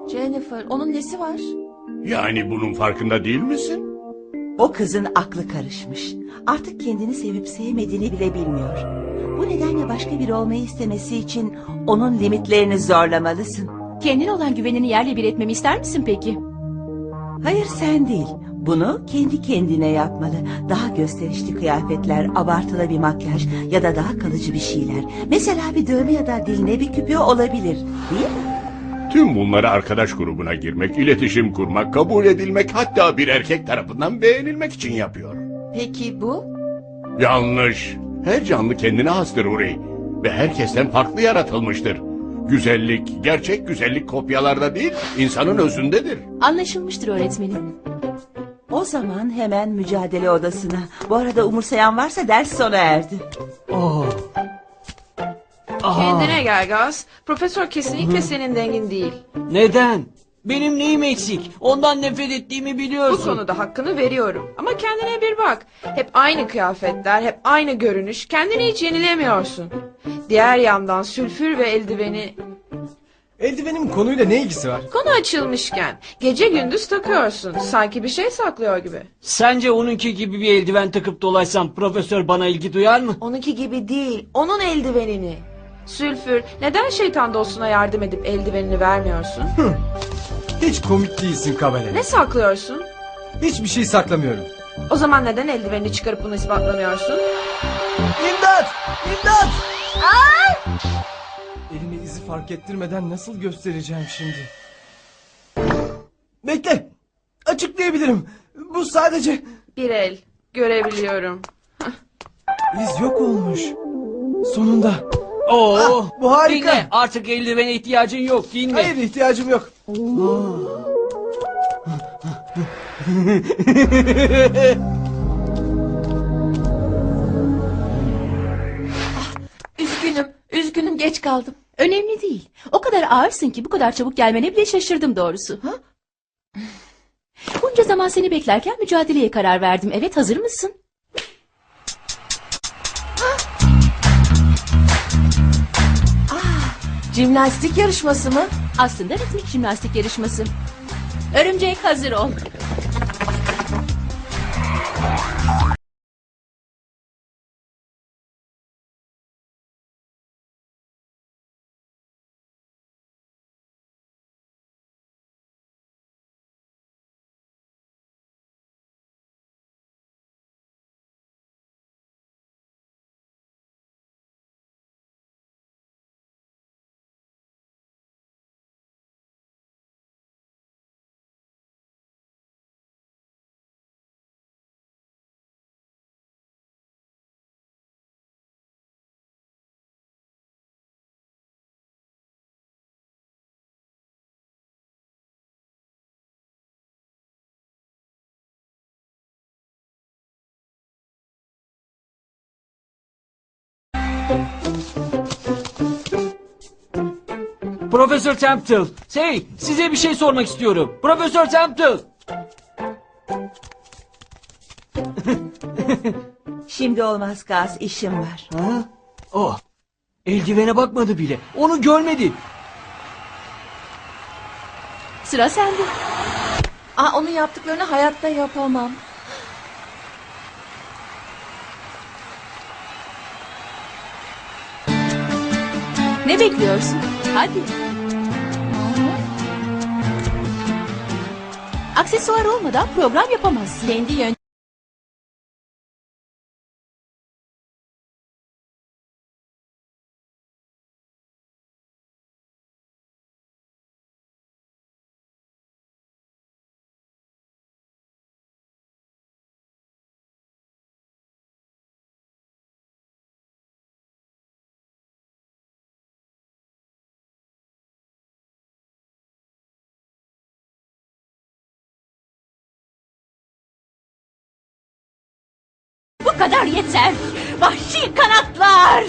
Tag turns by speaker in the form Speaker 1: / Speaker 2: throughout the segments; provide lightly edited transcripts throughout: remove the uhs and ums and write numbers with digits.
Speaker 1: Jennifer, onun nesi var?
Speaker 2: Yani bunun farkında değil misin?
Speaker 3: O kızın aklı karışmış. Artık kendini sevip sevmediğini bile bilmiyor. Bu nedenle başka biri olmayı istemesi için onun limitlerini zorlamalısın.
Speaker 1: Kendine olan güvenini yerle bir etmemi ister misin peki?
Speaker 3: Hayır, sen değil. Bunu kendi kendine yapmalı. Daha gösterişli kıyafetler, abartılı bir makyaj ya da daha kalıcı bir şeyler. Mesela bir dövme ya da diline bir küpe olabilir. Değil mi?
Speaker 2: Tüm bunları arkadaş grubuna girmek, iletişim kurmak, kabul edilmek, hatta bir erkek tarafından beğenilmek için yapıyor.
Speaker 1: Peki bu?
Speaker 2: Yanlış. Her canlı kendine hastır Uri. Ve herkesten farklı yaratılmıştır. Güzellik, gerçek güzellik kopyalarda değil, insanın özündedir.
Speaker 1: Anlaşılmıştır öğretmenim.
Speaker 3: O zaman hemen mücadele odasına. Bu arada umursayan varsa ders sona erdi.
Speaker 4: Kendine gel Gaz. Profesör kesinlikle senin dengin değil.
Speaker 5: Neden? Benim neyim eksik? Ondan nefret ettiğimi
Speaker 4: Bu
Speaker 5: biliyorsun.
Speaker 4: konuda hakkını veriyorum. Ama kendine bir bak. Hep aynı kıyafetler, hep aynı görünüş. Kendini hiç yenilemiyorsun. Diğer yandan sülfür ve eldiveni...
Speaker 6: Eldivenin konuyla ne ilgisi var?
Speaker 4: Konu açılmışken gece gündüz takıyorsun. Sanki bir şey saklıyor gibi.
Speaker 5: Sence onunki gibi bir eldiven takıp dolaşsam profesör bana ilgi duyar mı?
Speaker 4: Onunki gibi değil, onun eldivenini. Sülfür, neden şeytan dostuna yardım edip eldivenini vermiyorsun?
Speaker 6: Hiç komik değilsin Kabale.
Speaker 4: Ne saklıyorsun?
Speaker 6: Hiçbir şey saklamıyorum.
Speaker 4: O zaman neden eldivenini çıkarıp bunu ispatlamıyorsun?
Speaker 6: İmdat! İmdat! Elime izi fark ettirmeden nasıl göstereceğim şimdi? Bekle! Açıklayabilirim. Bu sadece...
Speaker 4: Bir el, görebiliyorum.
Speaker 6: İz yok olmuş. Sonunda.
Speaker 5: Oo,
Speaker 6: bu harika.
Speaker 5: Dinle, artık eldivene ihtiyacın yok, dinle.
Speaker 6: Hayır, ihtiyacım yok.
Speaker 1: Üzgünüm geç kaldım. Önemli değil. O kadar ağırsın ki bu kadar çabuk gelmene bile şaşırdım doğrusu. Ha? Bunca zaman seni beklerken mücadeleye karar verdim. Evet, hazır mısın?
Speaker 3: Jimnastik yarışması mı?
Speaker 1: Aslında ritmik jimnastik yarışması. Örümcek, hazır ol.
Speaker 5: Profesör Temple, size bir şey sormak istiyorum. Profesör Temple.
Speaker 3: Şimdi olmaz Gaz, işim var.
Speaker 5: Ha? Oh, eldivene bakmadı bile. Onu görmedi.
Speaker 1: Sıra sende. Onun yaptıklarını hayatta yapamam. Ne bekliyorsun? Hadi. Aksesuar olmadan program yapamazsın. Kendi yön. Bu kadar yeter. Vahşi kanatlar.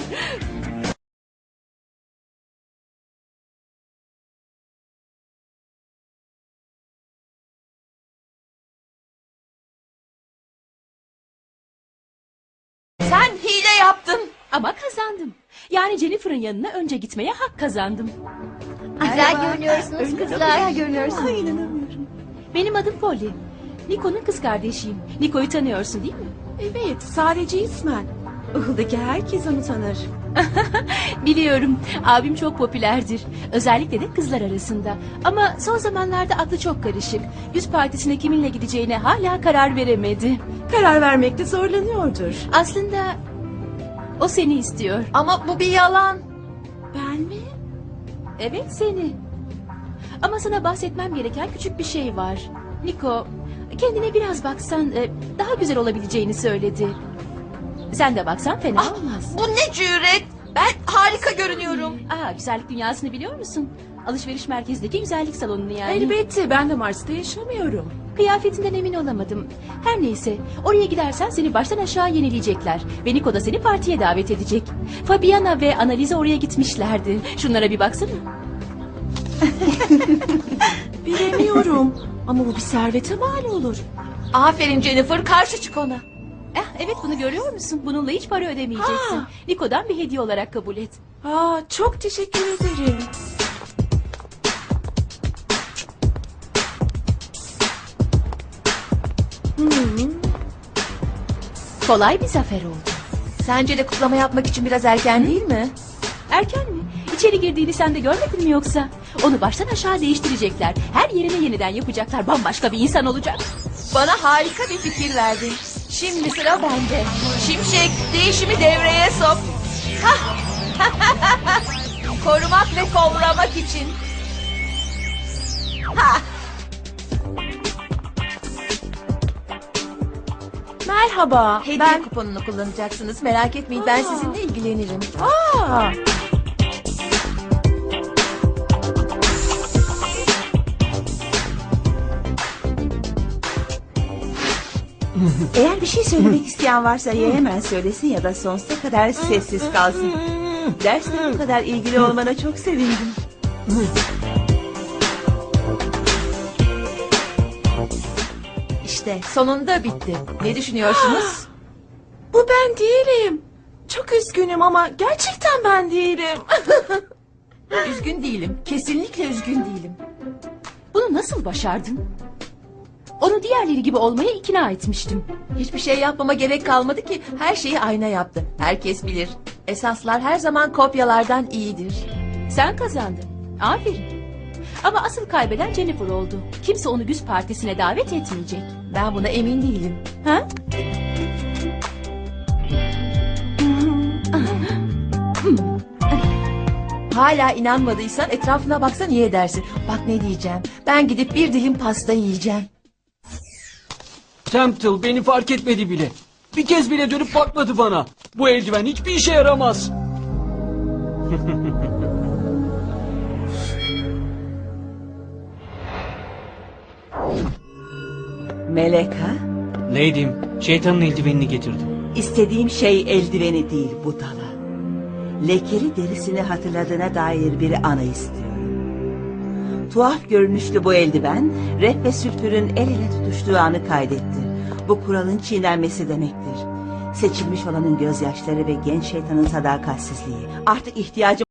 Speaker 1: Sen hile yaptın. Ama kazandım. Yani Jennifer'ın yanına önce gitmeye hak kazandım.
Speaker 7: Güzel görünüyorsunuz kızlar.
Speaker 3: Ay inanamıyorum.
Speaker 1: Benim adım Polly. Niko'nun kız kardeşiyim. Niko'yu tanıyorsun değil mi?
Speaker 3: Evet, sadece ismen. Ihıldaki herkes onu tanır.
Speaker 1: Biliyorum. Abim çok popülerdir. Özellikle de kızlar arasında. Ama son zamanlarda aklı çok karışık. Yüz partisine kiminle gideceğine hala karar veremedi.
Speaker 3: Karar vermekte zorlanıyordur.
Speaker 1: Aslında o seni istiyor.
Speaker 7: Ama bu bir yalan.
Speaker 3: Ben mi?
Speaker 1: Evet seni. Ama sana bahsetmem gereken küçük bir şey var. Niko, kendine biraz baksan daha güzel olabileceğini söyledi. Sen de baksan fena olmaz.
Speaker 7: Bu ne cüret? Ben harika görünüyorum.
Speaker 1: Güzellik dünyasını biliyor musun? Alışveriş merkezindeki güzellik salonunu yani.
Speaker 4: Elbette ben de Mars'ta yaşamıyorum.
Speaker 1: Kıyafetinden emin olamadım. Her neyse, oraya gidersen seni baştan aşağı yenileyecekler. Ve Niko da seni partiye davet edecek. Fabiana ve Annalisa oraya gitmişlerdi. Şunlara bir baksana.
Speaker 3: Bilemiyorum. Ama bu bir servete mal olur.
Speaker 7: Aferin Jennifer, karşı çık ona.
Speaker 1: Evet bunu görüyor musun? Bununla hiç para ödemeyeceksin. Niko'dan bir hediye olarak kabul et.
Speaker 4: Çok teşekkür ederim.
Speaker 1: Kolay bir zafer oldu.
Speaker 7: Sence de kutlama yapmak için biraz erken değil mi?
Speaker 1: Erken mi? İçeri girdiğini sen de görmedin mi yoksa? Onu baştan aşağı değiştirecekler. Her yerine yeniden yapacaklar. Bambaşka bir insan olacak.
Speaker 7: Bana harika bir fikir verdin. Şimdi sıra bende. Şimşek, değişimi devreye sok. Hah! Korumak ve kovramak için.
Speaker 4: Merhaba.
Speaker 7: Hediye kuponunu kullanacaksınız. Merak etmeyin, ben sizinle ilgilenirim.
Speaker 3: Eğer bir şey söylemek isteyen varsa ya hemen söylesin ya da sonsuza kadar sessiz kalsın. Dersle bu kadar ilgili olmana çok sevindim.
Speaker 7: İşte sonunda bitti. Ne düşünüyorsunuz?
Speaker 4: Bu ben değilim. Çok üzgünüm ama gerçekten ben değilim.
Speaker 7: Üzgün değilim. Kesinlikle üzgün değilim.
Speaker 1: Bunu nasıl başardın? Onu diğerleri gibi olmaya ikna etmiştim.
Speaker 7: Hiçbir şey yapmama gerek kalmadı ki. Her şeyi ayna yaptı. Herkes bilir. Esaslar her zaman kopyalardan iyidir.
Speaker 1: Sen kazandın. Aferin. Ama asıl kaybeden Jennifer oldu. Kimse onu güz partisine davet etmeyecek.
Speaker 7: Ben buna emin değilim.
Speaker 1: Ha?
Speaker 7: Hala inanmadıysan etrafına baksan iyi edersin. Bak ne diyeceğim. Ben gidip bir dilim pasta yiyeceğim.
Speaker 5: Temptil beni fark etmedi bile. Bir kez bile dönüp bakmadı bana. Bu eldiven hiçbir işe yaramaz.
Speaker 3: Melek ha?
Speaker 5: Lady'm, şeytanın eldivenini getirdim.
Speaker 3: İstediğim şey eldiveni değil budala. Lekeli derisini hatırladığına dair bir anı istiyorum. Tuhaf görünüşlü bu eldiven, rap ve sülfürün el ele tutuştuğu anı kaydetti. Bu kuralın çiğnenmesi demektir. Seçilmiş olanın gözyaşları ve genç şeytanın sadakatsizliği. Artık ihtiyacım